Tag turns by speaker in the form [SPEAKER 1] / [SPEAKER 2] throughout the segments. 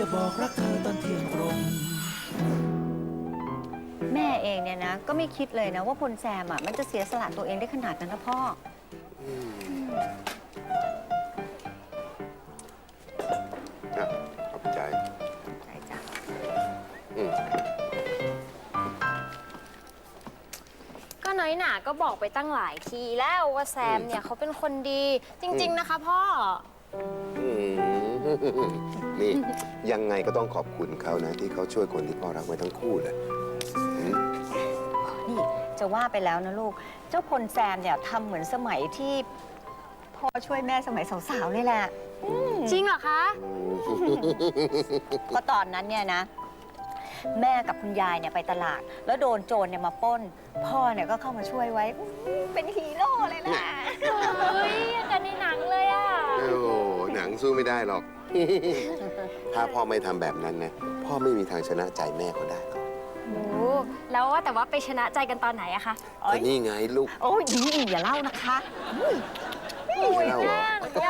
[SPEAKER 1] บอกรักเธอตอนเที่ยงตรง
[SPEAKER 2] แม่เองเนี่ยนะก็ไม่คิดเลยนะว่าพลแซมอ่ะมันจะเสียสละตัวเองได้ขนาดนั้นนะพ่อ
[SPEAKER 3] ขอบใจ
[SPEAKER 2] ใช่จ้ะ
[SPEAKER 4] ก็น้อยหนาก็บอกไปตั้งหลายทีแล้วว่าแซมเนี่ยเขาเป็นคนดีจริง ๆ นะคะพ่อ
[SPEAKER 3] นี่ยังไงก็ต้องขอบคุณเขานะที่เขาช่วยคนที่พ่อรักไว้ทั้งคู่เลย
[SPEAKER 2] นี่จะว่าไปแล้วนะลูกเจ้าพลแซมเนี่ยทำเหมือนสมัยที่พ่อช่วยแม่สมัยสาวๆนี่แหละ
[SPEAKER 4] จริงเหรอคะ
[SPEAKER 2] ก็ตอนนั้นเนี่ยนะแม่กับคุณยายเนี่ยไปตลาดแล้วโดนโจรเนี่ยมาปล้นพ่อเนี่ยก็เข้ามาช่วยไว้เป็นฮีโร่เลยนะ
[SPEAKER 4] เฮ้ยกันในหนังเลยอ่ะ
[SPEAKER 3] โอ้หนังสู้ไม่ได้หรอกถ้าพ่อไม่ทำแบบนั้นนะพ่อไม่มีทางชนะใจแม่เขาได้หรอก
[SPEAKER 4] โอ้แล้วว่าแต่ว่าไปชนะใจกันตอนไหนอะคะ
[SPEAKER 3] ก็นี่ไงลูก
[SPEAKER 2] โอ้ยอย่าเล่านะคะ
[SPEAKER 3] ไม่เล่าเหร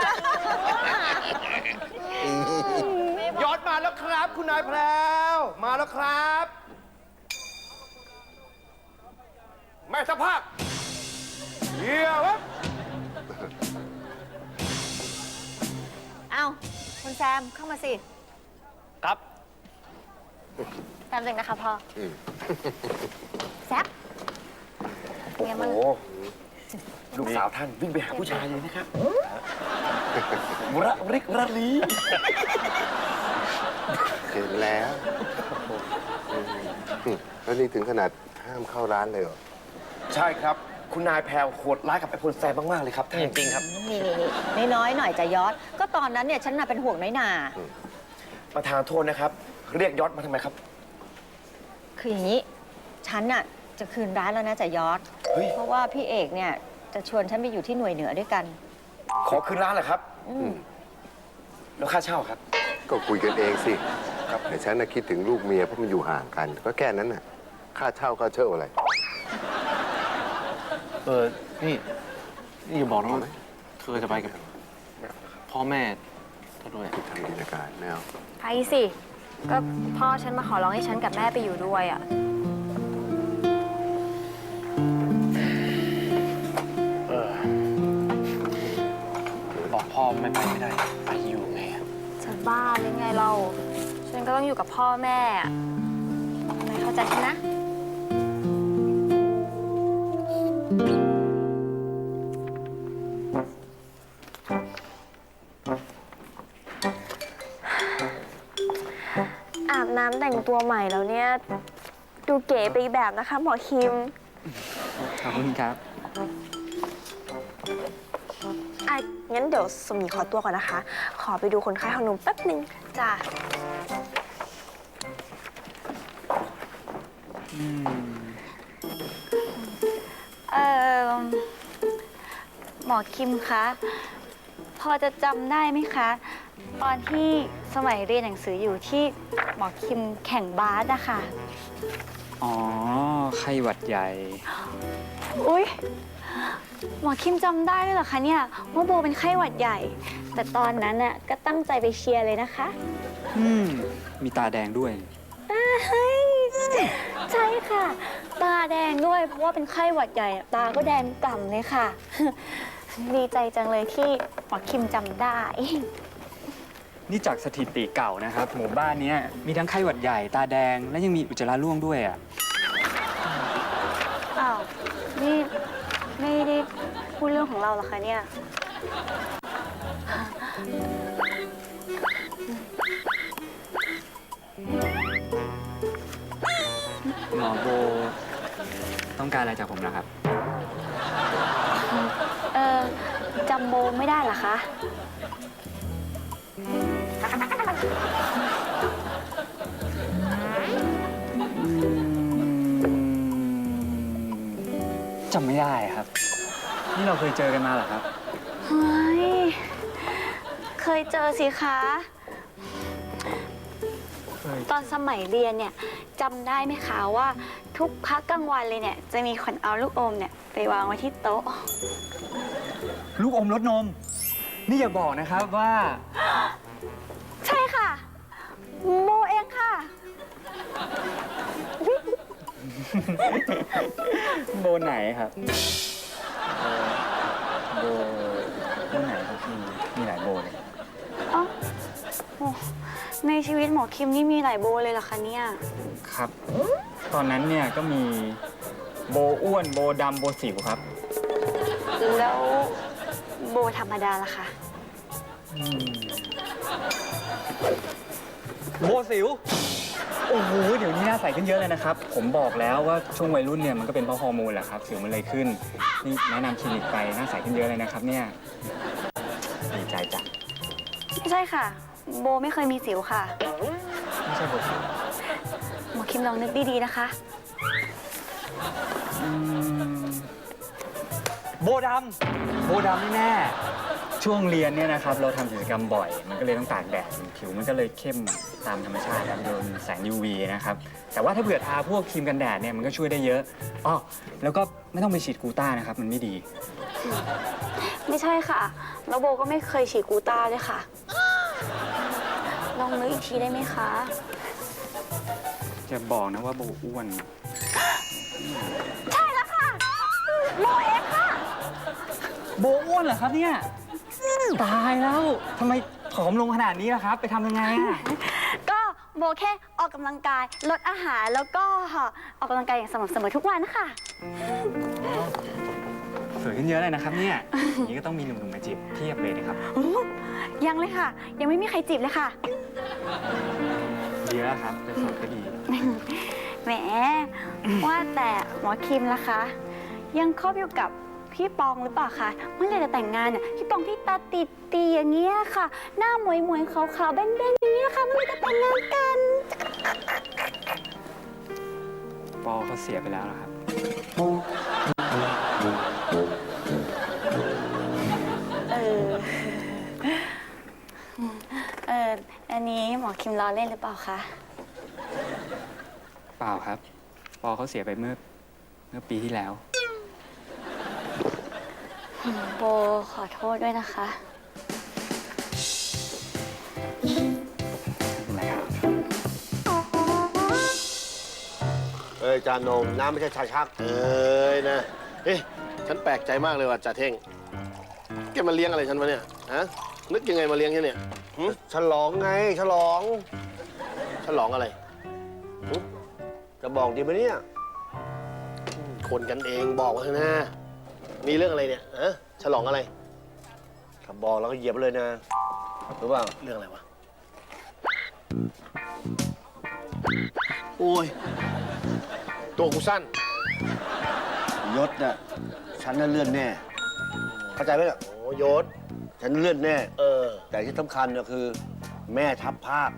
[SPEAKER 5] อยอดมาแล้วครับคุณนายแพรวมาแล้วครับแม่สภาพเยี่ยมครับ
[SPEAKER 2] เอาคุณแซมเข้ามาสิ
[SPEAKER 5] ครับ
[SPEAKER 4] แซมจริงนะคะพ่อแซม
[SPEAKER 5] โอ้โหลูกสาวท่านวิ่งไปหาผู้ชายเลยนะครับระริกระลี
[SPEAKER 3] เห็นแล้วแล้วนี่ถึงขนาดห้ามเข้าร้านเลยเหรอ
[SPEAKER 5] ใช่ครับคุณนายแพรวโหดร้ายกับไอ้พลแซมมากๆเลยครับท่านจริงครับ
[SPEAKER 2] นี่น้อยหน่อยจะยอดก็ตอนนั้นเนี่ยฉันน่ะเป็นห่วงน้อยหนา
[SPEAKER 5] ประธานโทษนะครับเรียกยอดมาทำไมครับ
[SPEAKER 2] คืออย่างนี้ฉันน่ะจะคืนร้านแล้วนะจะยอดเพราะว่าพี่เอกเนี่ยจะชวนฉันไปอยู่ที่หน่วยเหนือด้วยกัน
[SPEAKER 5] ขอคืนร้านเหรอครับแล้วค่าเช่าครับ
[SPEAKER 3] ก็คุยกันเองสิครับแต่ฉันน่ะคิดถึงลูกเมียเพราะมันอยู่ห่างกันก็แค่นั้นน่ะค่าเช่าอะไร
[SPEAKER 6] นี่อย่าบอกนะว่าเธอจะไปกับพ่อแม่เธอด้วย
[SPEAKER 3] ทำกิจการแนว
[SPEAKER 4] ไปสิก็พ่อฉันมาขอร้องให้ฉันกับแม่ไปอยู่ด้วยอ่ะ
[SPEAKER 6] บอกพ่อไม่ไปไม่ได้ไปอยู่ไง
[SPEAKER 4] จะบ้าหรือไงเราฉันก็ต้องอยู่กับพ่อแม่ไม่เข้าใจฉันนะอาบน้ำแต่งตัวใหม่แล้วเนี่ยดูเก๋ไปอีกแบบนะคะหมอคิม
[SPEAKER 6] ขอบคุณครับ
[SPEAKER 4] งั้นเดี๋ยวสมหญิงขอตัวก่อนนะคะขอไปดูคนไข้ของหนุ่มแป๊บนึงจ้ะ
[SPEAKER 2] หมอคิมคะพอจะจำได้ไหมคะตอนที่สมัยเรียนหนังสืออยู่ที่หมอคิมแข่งบาสอะค่ะ
[SPEAKER 6] อ๋อไข้หวัดใหญ่
[SPEAKER 2] อุ๊ยหมอคิมจำได้ด้วยเหรอคะเนี่ยว่าโบเป็นไข้หวัดใหญ่แต่ตอนนั้นน่ะก็ตั้งใจไปเชียร์เลยนะคะ
[SPEAKER 6] มีตาแดงด้วย
[SPEAKER 2] ใช่ค่ะตาแดงด้วยเพราะว่าเป็นไข้หวัดใหญ่ตาก็แดงกล่ำเลยค่ะดีใจจังเลยที่หมอคิมจำได้
[SPEAKER 6] นี่จากสถิติเก่านะครับหมู่บ้านนี้มีทั้งไข้หวัดใหญ่ตาแดงและยังมีอุจจาระร่วงด้วยอ่ะ
[SPEAKER 2] อ้าวนี่ไม่ได้พูดเรื่องของเราหรอคะเนี่ย
[SPEAKER 6] หมอโบต้องการอะไรจากผมนะครับ
[SPEAKER 2] จำโบไม่ได้เหรอคะ
[SPEAKER 6] จำไม่ได้ครับนี่เราเคยเจอกันมาเหรอครับ
[SPEAKER 2] เฮ้ยเคยเจอสิคะตอนสมัยเรียนเนี่ยจำได้ไหมคะว่าทุกพักกลางวันเลยเนี่ยจะมีคนเอาลูกอมเนี่ยไปวางไว้ที่โต๊ะ
[SPEAKER 6] ลูกอมรสนมนี่อย่าบอกนะครับว่า
[SPEAKER 2] ใช่ค่ะ
[SPEAKER 6] โบไหนครับ โบไหนครับพี่มีหลายโบเลย
[SPEAKER 2] อ๋อโอ้ในชีวิตหมอคิมนี่มีหลายโบเลยเหรอคะเนี่ย
[SPEAKER 6] ครับ ตอนนั้นเนี่ยก็มีโบอ้วนโบดำโบสิวครับ
[SPEAKER 2] แล้วโบธรรมดาล่ะคะ
[SPEAKER 6] โบสิว โอ้โห เดี๋ยวนี้หน้าใสขึ้นเยอะเลยนะครับ ผมบอกแล้วว่าช่วงวัยรุ่นเนี่ยมันก็เป็นเพราะฮอร์โมนแหละครับสิวมันเลยขึ้น นี่แนะนำคลินิกไปหน้าใสขึ้นเยอะเลยนะครับเนี่ยดีใจจัง
[SPEAKER 2] ไม่ใช่ค่ะ โบไม่เคยมีสิวค่ะ
[SPEAKER 6] ไม่ใช่โบสิว
[SPEAKER 2] หมอคิมลองนึกดีๆนะคะ
[SPEAKER 6] โบดำนี่แน่ ช่วงเรียนเนี่ยนะครับเราทำกิจกรรมบ่อย มันก็เลยต้องตากแดดผิวมันก็เลยเข้มตามธรรมชาติครับโดนแสง UV นะครับ แต่ว่าถ้าเผื่อทาพวกครีมกันแดดเนี่ยมันก็ช่วยได้เยอะอ้อแล้วก็ไม่ต้องไปฉีดกลูต้านะครับมันไม่ดี
[SPEAKER 2] ไม่ใช่ค่ะ แล้วโบก็ไม่เคยฉีดกลูต้าด้วยค่ะ ลองนึกอีกทีได้ไหมคะ
[SPEAKER 6] จะบอกนะว่าโบอ้วน
[SPEAKER 2] ใช่แล้วค่ะ โบเองค่ะ
[SPEAKER 6] โบอ้วนเหรอครับเนี่ยตายแล้วทำไมผอมลงขนาดนี้ล่ะครับ ไปทำยังไงอะ
[SPEAKER 2] ก็โบแค่ออกกำลังกายลดอาหารแล้วก็ออกกำลังกายอย่างสม่ำเสมอทุกวันค่ะ
[SPEAKER 6] สวยขึ้นเยอะเลยนะครับเนี่ยอย่างนี้ก็ต้องมีหนุ่มๆมาจีบเทียบเลยนะครับ
[SPEAKER 2] ยังเลยค่ะ ยังไม่มีใครจีบเลยค่ะ
[SPEAKER 6] ดีแล้วครับจะสวยก็ดี
[SPEAKER 2] แหม ว่าแต่หมอคิมล่ะคะ ยังคบอยู่กับพี่ปองหรือเปล่าคะเมื่อไหร่จะแต่งงานเนี่ยพี่ปองที่ตาติดตีอย่างเงี้ยค่ะ หน้าหมวยๆขาวๆแบนๆอย่างเงี้ยค่ะเมื่อไหร่จะแต่งงานกัน
[SPEAKER 6] ปอเขาเสียไปแล้วเหรอครับ
[SPEAKER 2] เออ อันนี้หมอคิมล้อเล่นหรือเปล่าคะ
[SPEAKER 6] เปล่าครับ ปอเขาเสียไปเมื่อปีที่แล้ว
[SPEAKER 2] โบขอโทษด้วยนะคะ
[SPEAKER 6] ไม่เป็นไรครับ
[SPEAKER 7] เอ้ยจานนมน้ำไม่ใช่ชาชักเอ้ยนะเอ๊ะฉันแปลกใจมากเลยว่ะจ่าเท่งแกมาเลี้ยงอะไรฉันวะเนี่ยฮะนึกยังไงมาเลี้ยงฉันเนี่ยหึ
[SPEAKER 3] ฉลองไงฉลอง
[SPEAKER 7] ฉลองอะไร
[SPEAKER 3] จะบอกดีไหมเนี่ย
[SPEAKER 7] คนกันเองบอกมาเถอะนะมีเรื่องอะไรเนี่ยฮะฉลองอะไร
[SPEAKER 3] ถ้าบอกแล้วก็เหยียบเลยนะรู้เปล่า
[SPEAKER 7] เรื่องอะไรวะโอ้ยตัวกูสั้น
[SPEAKER 3] ยศน่ะฉันน่ะเลื่อนแน่ เข้าใจไหมล่ะ
[SPEAKER 7] โอ้ยศ
[SPEAKER 3] ฉันเลื่อนแน่
[SPEAKER 7] เออ
[SPEAKER 3] แต่ที่สำคัญก็คือ แม่ทัพภาค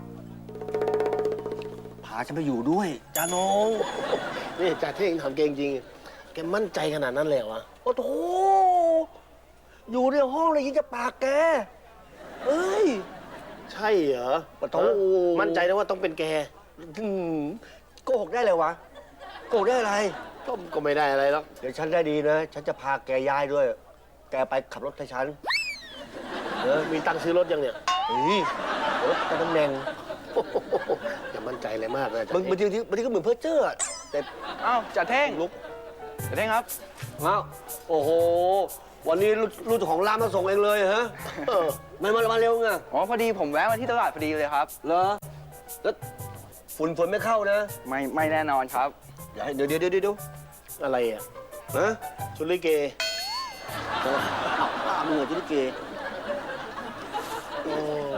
[SPEAKER 3] พาฉันไปอยู่ด้วย
[SPEAKER 7] จานงนี่จ่าเท่งทำเก่งจริงแกมั่นใจขนาดนั้นเลยเหรอวะโอ้โหอยู่ในห้องเลยยิ่งจะปากแกเอ้ยใช่เหรอ
[SPEAKER 3] ปะโถ
[SPEAKER 7] มั่นใจนะว่าต้องเป็นแก
[SPEAKER 3] อืมโกหกได้เลยวะโกหกได้อะไร
[SPEAKER 7] ก็ไม่ได้อะไรหรอก
[SPEAKER 3] เดี๋ยวฉันได้ดีนะ ฉันจะพาแกย้ายด้วย แกไปขับรถให้ฉัน
[SPEAKER 7] มีตังค์ซื้อรถยังเนี่ย
[SPEAKER 3] เฮ้ยรถแต่ตำแหน่ง
[SPEAKER 7] โอ้โหอย่ามั่นใจเลยมากนะจ๊ะ
[SPEAKER 3] บางทีก็เหมือนเพ้อเจ้ออะแต่
[SPEAKER 5] อ้าวจ่าเท่ง
[SPEAKER 3] ลุก
[SPEAKER 5] จ่าเท่งครับ
[SPEAKER 3] เอ้าโอ้โห วันนี้ลูกเจ้าของร้านมาส่งเองเลยฮะ
[SPEAKER 7] เออ
[SPEAKER 3] ไม่มาเร็วไง
[SPEAKER 5] อ๋อพอดีผมแวะมาที่ตลาดพอดีเลยครับ
[SPEAKER 3] เหรอ แล้วฝุ่นไม่เข้านะ
[SPEAKER 5] ไม่แน่นอนครับ
[SPEAKER 3] เดี๋ยว
[SPEAKER 7] อะไรอ่ะ
[SPEAKER 3] นะ
[SPEAKER 7] ชุดลิเก
[SPEAKER 3] ป้ามึงเหรอที่ลิเก
[SPEAKER 7] โอ้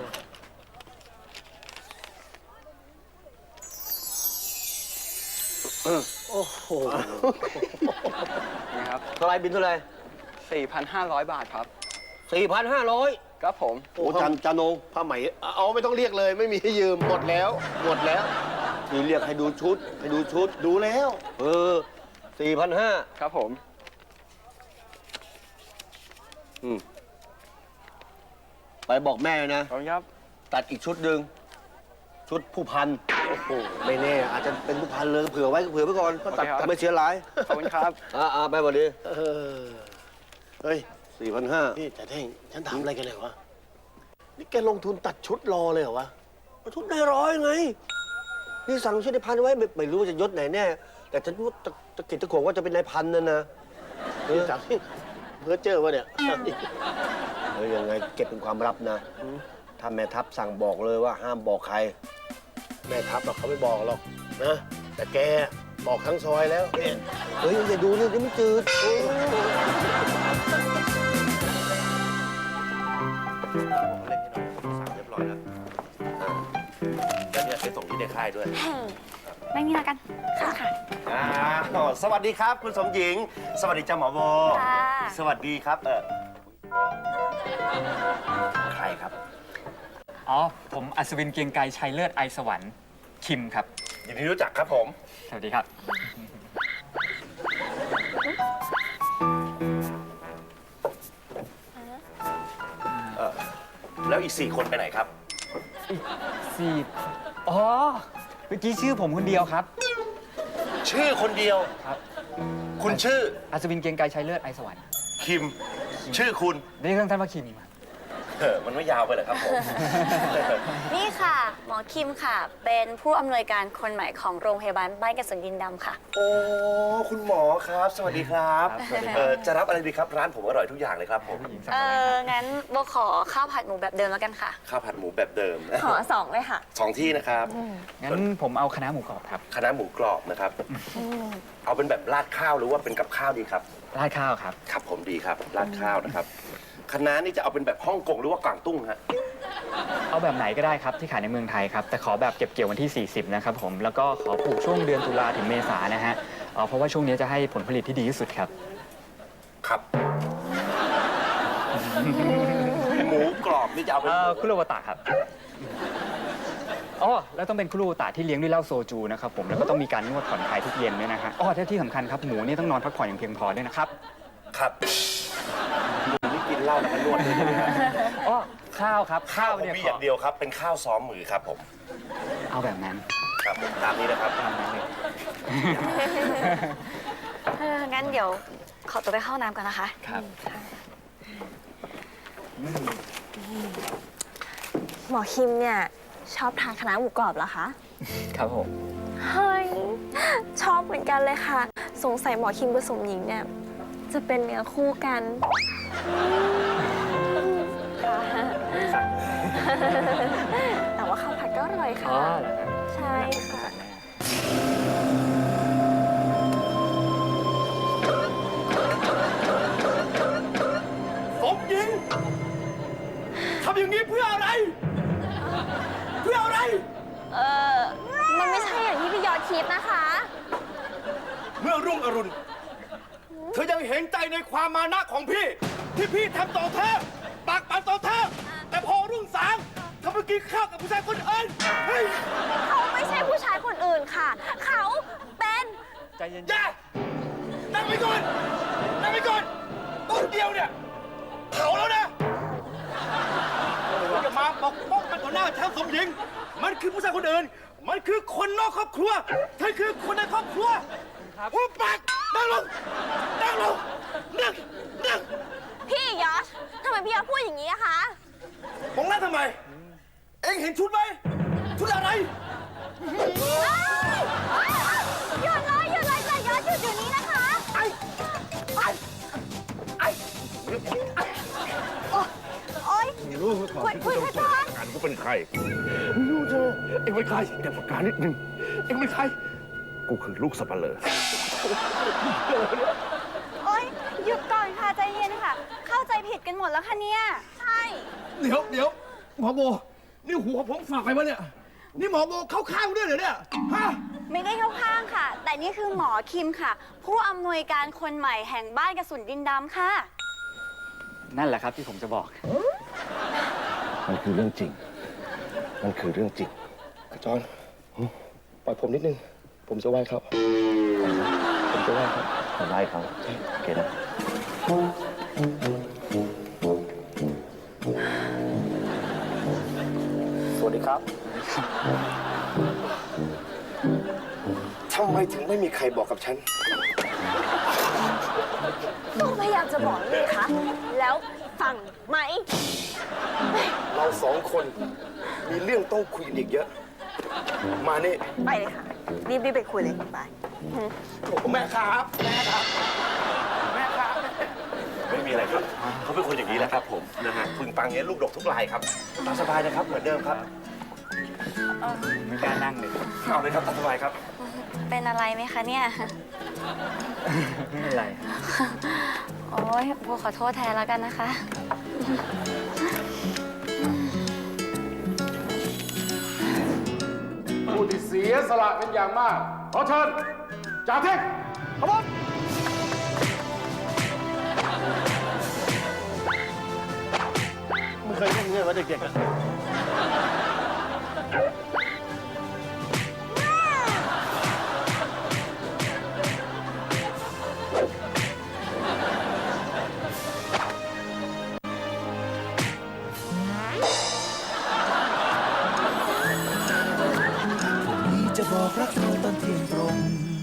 [SPEAKER 7] โอ้โห
[SPEAKER 5] นะครับ
[SPEAKER 3] เท่าไรบินเท่าไร
[SPEAKER 5] 4,500 บาทครับ
[SPEAKER 3] 4,500
[SPEAKER 5] ครับผม
[SPEAKER 3] โอ้จานง
[SPEAKER 7] ผ้าไหมเอาไม่ต้องเรียกเลย ไม่มีให้ยืมหมดแล้ว หมดแล้ว
[SPEAKER 3] ที่เรียกให้ดูชุด
[SPEAKER 7] ดูแล้ว
[SPEAKER 3] 4,500
[SPEAKER 5] ครับผม
[SPEAKER 3] ไปบอกแม่เลยนะ
[SPEAKER 5] ขอบคุณครับ
[SPEAKER 3] ตัดอีกชุดหนึ่งชุดผู้พัน
[SPEAKER 7] โอ้โห
[SPEAKER 3] ไม่แน่ อาจจะเป็นผู้พันเลยเผื่อไว้ก่อน
[SPEAKER 5] โอเคครับ
[SPEAKER 3] แต่ไม่เสียหลาย
[SPEAKER 5] ขอบคุณครับ
[SPEAKER 3] ไปหมดดิ
[SPEAKER 7] เออเฮ้ย
[SPEAKER 3] 4,500
[SPEAKER 7] นี่แต่เท่งฉันถามอะไรกันเนี่ยวะ นี่แกลงทุนตัดชุดรอเลยเหรอวะ
[SPEAKER 3] ชุดได้100ไง
[SPEAKER 7] นี่สั่งชื่อนายพันไว้ไม่รู้ว่าจะยศไหนแน่ แต่ฉันรู้ตะกิดตะขวงว่าจะเป็นนายพันนั่นนะนี่สั่งที่เพื่อเจอวะเนี่ยยังไงเก็บเป็นความลับนะถ้าแม่ทัพสั่งบอกเลยว่าห้ามบอกใคร แม่ทัพเขาไม่บอกหรอกนะ แต่แกบอกทั้งซอยแล้วเนี่ยเฮ้ยอย่าดูนี่เดี๋ยวมันจืด
[SPEAKER 5] เล่นให้น้องสั่งเรียบร้อยแล้วแล้วเนี่ยไปส่งที่ในค่ายด้วย
[SPEAKER 2] นั่งนี่ละกัน ค่ะค่ะ
[SPEAKER 5] สวัสดีครับคุณสมหญิง สวัสดีจ้าหมอโบ
[SPEAKER 2] ค่ะ
[SPEAKER 5] สวัสดีครับใครครับ
[SPEAKER 6] อ๋อ ผมอัศวินเกรียงไกรชัยเลิศไอสวรรค์คิมครับ
[SPEAKER 5] ยินดีรู้จักครับผม
[SPEAKER 6] สวัสดีครับ
[SPEAKER 5] แล้วอีก 4 คนไปไหนครับ
[SPEAKER 6] สี่อ๋อ เมื่อกี้ชื่อผมคนเดียวครับ
[SPEAKER 5] ชื่อคนเดียว
[SPEAKER 6] ครับ
[SPEAKER 5] คุณชื่อ
[SPEAKER 6] อัศวินเกรียงไกรชัยเลิศไอสวรรค์
[SPEAKER 5] คิม ชื่อคุณ
[SPEAKER 6] เรียกท่านว่าคิมครับ
[SPEAKER 5] มันไม่ยาวไปเหรอครับผม
[SPEAKER 2] นี่ค่ะ หมอคิมค่ะ เป็นผู้อำนวยการคนใหม่ของโรงพยาบาลบ้านกระสุนดินดำค่ะ
[SPEAKER 5] โอ้ คุณหมอครับ สวัสดีครับ
[SPEAKER 6] ครับสวัสดีครับ
[SPEAKER 5] จะรับอะไรดีครับ ร้านผมอร่อยทุกอย่างเลยครับผม
[SPEAKER 6] ผู้หญิงสั่งอะไรครับ
[SPEAKER 2] งั้นโบขอข้าวผัดหมูแบบเดิมแล้วกันค่ะ
[SPEAKER 5] ข้าวผัดหมูแบบเดิม
[SPEAKER 4] ขอ2เลยค่ะ
[SPEAKER 5] 2 ที่นะครับ
[SPEAKER 6] งั้นผมเอาคณะหมูกรอบครับ
[SPEAKER 5] คณะหมูกรอบนะครับ เอาเป็นแบบราดข้าวหรือว่าเป็นกับข้าวดีครับ
[SPEAKER 6] ราดข้าวครับ
[SPEAKER 5] ครับผมดีครับราดข้าวนะครับคณะนี่จะเอาเป็นแบบฮ่องกงหรือว่ากวางตุ้งฮะ
[SPEAKER 6] เอาแบบไหนก็ได้ครับที่ขายในเมืองไทยครับ แต่ขอแบบเก็บเกี่ยววันที่ 40 นะครับผม แล้วก็ขอปลูกช่วงเดือนตุลาถึงเมษานะฮะเพราะว่าช่วงนี้จะให้ผลผลิตที่ดีที่สุดครับ
[SPEAKER 5] ครับ หมูกรอบนี่จะเอาเป็นหมู
[SPEAKER 6] คุโรวตะครับ อ๋อ แล้วต้องเป็นคุโรวตะที่เลี้ยงด้วยเหล้าโซจูนะครับผม แล้วก็ต้องมีการนวดผ่อนคลายทุกเย็นด้วยนะฮะอ๋อที่สำคัญครับ หมูนี่ต้องนอนพักผ่อนอย่างเพียงพอด้วยนะครับ
[SPEAKER 5] ครับคุณนี่กินเหล้าแล้วก็นวดด้วยใช่ไหมครับ
[SPEAKER 6] อ๋อ ข้าวครับ
[SPEAKER 5] ข้าวผม
[SPEAKER 6] เนี่ย
[SPEAKER 5] มีอย่างเดียวครับ เป็นข้าวซ้อมมือครับผม
[SPEAKER 6] เอาแบบนั้น
[SPEAKER 5] ครับผมตามนี้นะครับ
[SPEAKER 6] ตามนั้นเลย
[SPEAKER 2] งั้นเดี๋ยวขอตัวไปเข้าห้องน้ำก่อนนะคะ
[SPEAKER 6] ครับ
[SPEAKER 4] หมอคิมเนี่ยชอบทานคณะหมูกรอบเหรอคะ
[SPEAKER 6] ครับผม
[SPEAKER 4] เฮ้ย ชอบเหมือนกันเลยค่ะ สงสัยหมอคิมกับสมหญิงเนี่ยจะเป็นเนื้อคู่กันค่ะ แต่ว่าข้าวผัดก็อร่อยค่ะ
[SPEAKER 6] อ๋อเหรอครับ
[SPEAKER 4] ใช่ค่ะ
[SPEAKER 5] สมหญิงทำอย่างนี้เพื่ออะไร เพื่ออะไร
[SPEAKER 4] มันไม่ใช่อย่างที่พี่ยอดคิดนะคะ
[SPEAKER 5] เมื่อรุ่งอรุณ เธอยังเห็นใจในความมานะของพี่ ที่พี่ทำต่อเธอปากปั่นต่อเธอ แต่พอรุ่งสางเธอไปกินข้าวกับผู้ชายคนอื่นเฮ้ย
[SPEAKER 4] เขาไม่ใช่ผู้ชายคนอื่นค่ะ เขาเป็น
[SPEAKER 6] ใจเย็น
[SPEAKER 5] อย่านั่งไปก่อนนั่งไปก่อนต้นเดียวเนี่ยเผาแล้วนะอย่ามาปกป้องมันต่อหน้าฉันสมหญิง มันคือผู้ชายคนอื่น มันคือคนนอกครอบครัวเธอคือคนในครอบครัวหุบปากนั่งลงนั่งลงนั่ง
[SPEAKER 4] พี่ยอดทำไมพี่ยอดพูดอย่างนี้อะคะ
[SPEAKER 5] มองหน้าทำไม เอ็งเห็นชุดไหมชุดอะไร
[SPEAKER 4] หยุดเลยหยุดเลยแต่ยอดหยุดอยู่นี้นะคะ โอ๊ยคุยกันก่อน
[SPEAKER 8] การกูเป็นใครรู้เธอเอ็งเป็นใครเดี๋ยวประกาศนิดนึงเอ็งเป็นใคร กูคือลูกสับปะเลอ
[SPEAKER 2] โอ๊ย หยุดก่อนค่ะ ใจเย็นค่ะ เข้าใจผิดกันหมดแล้วค่ะเนี่ย
[SPEAKER 4] ใช่
[SPEAKER 8] เดี๋ยวหมอโบ นี่หัวผมฝากไปวะเนี่ย นี่หมอโบเข้าข้างด้วยเหรอเนี่ย ฮะ
[SPEAKER 2] ไม่ได้เข้าข้างค่ะ แต่นี่คือหมอคิมค่ะ ผู้อำนวยการคนใหม่แห่งบ้านกระสุนดินดำค่ะ
[SPEAKER 6] นั่นแหละครับที่ผมจะบอก
[SPEAKER 7] มันคือเรื่องจริง มันคือเรื่องจริงจอนปล่อยผมนิดนึง ผมจะไหว้เขาผมจะไหว้เขา
[SPEAKER 5] ไล่เขาโอเคนะ สวัสดีครับ ทำไมถึงไม่มีใครบอกกับฉัน
[SPEAKER 4] ก็พยายามจะบอกนี่คะ แล้วฟังไหม
[SPEAKER 5] เราสองคนมีเรื่องต้องคุยกันอีกเยอะมานี่
[SPEAKER 2] ไปเลยค่ะ รีบไปคุยเลยไป
[SPEAKER 5] แม่ครับแม่ครับแม่ครับ ไม่มีอะไรครับเขาเป็นคนอย่างนี้แหละครับผมนะฮะพึงปังเงี้ยลูกดกทุกรายครับตามสบายนะครับเหมือนเดิมครับ
[SPEAKER 6] ไม่กล้านั่งเลย
[SPEAKER 5] เอาเลยครับตามสบายครับ
[SPEAKER 2] เป็นอะไรไหมคะเนี่ย
[SPEAKER 6] ไม่เป็นไร
[SPEAKER 2] โอ้ยโบขอโทษแทนแล้วกันนะคะ
[SPEAKER 8] ผู้ที่เสียสละเป็นอย่างมาก ขอเชิญจ่าเท่งขบวน
[SPEAKER 7] ไม่เคยเล่นเงี้ยว่าเด็กๆอะ
[SPEAKER 1] ผมนี้จะบอกรักเธอตอนเที่ยงตรง